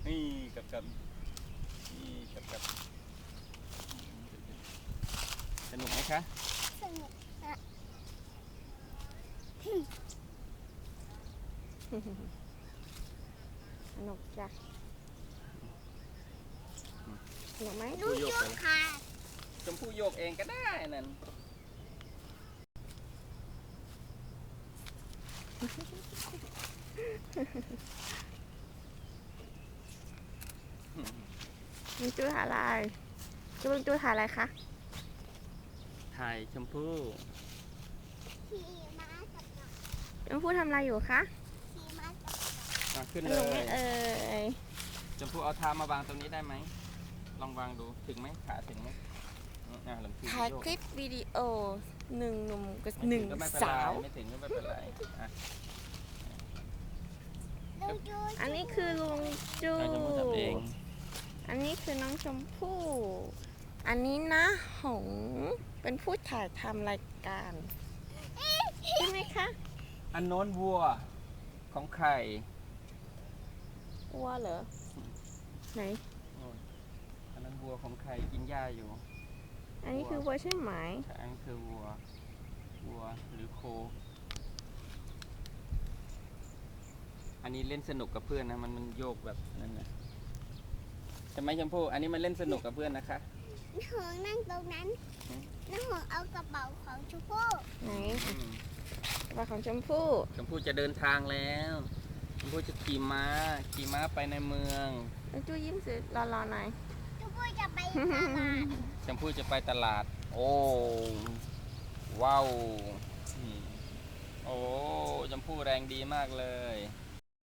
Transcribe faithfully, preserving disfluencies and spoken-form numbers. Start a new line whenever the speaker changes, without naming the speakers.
นี่กับกับนี่กับกับสนุกไหมคะ
สนุกอะ
สนุกจ้ะสนุกไหม
ลูกโยกค่ะ
ชมพู่โยกเองก็ได้นั่น
ลุงจูถ่ายอะไรจูลุงจูถ่ายอะไรคะ
ถ่ายชมพู่
ขี่ม้ากับหนอน
ลุงพูดทำอะไรอยู่คะ
ขี่ม้ากับหนอน
มาขึ้น
ส
เล
นุกไหม
ย
เอ่ย
ชมพู่เอาเท้ามาวางตรงนี้ได้ไหมลองวางดูถึงไหมขาถึงไหมอ่าหลังคือ
ถ่าย
โยก
คลิปวิดีโอหนึ่งหนุ่มกับ
ไม่
ห
ถึ
นึ่ง
ก็ไม่เป็น
สา
ไร
ว
ไม่ถึงก็ไม่เป็นไรอ่ะ
ลูกโยก
อันนี้คือลุงจู
เราจะมาทำเอง
อันนี้คือน้องชมพู่ อันนี้นะหงเป็นผู้ถ่ายทำรายการใช่ไหมคะ
อันโน้นวัวของใคร
วัวเหรอ ไหน
อันนั้นวัวของใครกินหญ้าอยู่
อันนี้คือวัวใช่ไหม
ใช่อันนั้นคือวัววัวหรือโค อันนี้เล่นสนุกกับเพื่อนนะมันมันโยกแบบนั้นนะใช่ไหมชมพู่อันนี้มันเล่นสนุกกับเพื่อนนะคะ
น้าหงนั่งตรงนั้น
อืม
น้าหงเอากระเป๋าของชมพู่
ไหน
อืม
กระเป๋าของชมพู่
ชมพู่จะเดินทางแล้วชมพู่จะขี่ม้าขี่ม้าไปในเมือง
ลุงจูยิ้มสิรอๆหน่อย
ชมพู่จะไปตลาด
ชมพู่จะไปตลาด โอ้ว้าวอืมโอ้ชมพู่แรงดีมากเลย
ช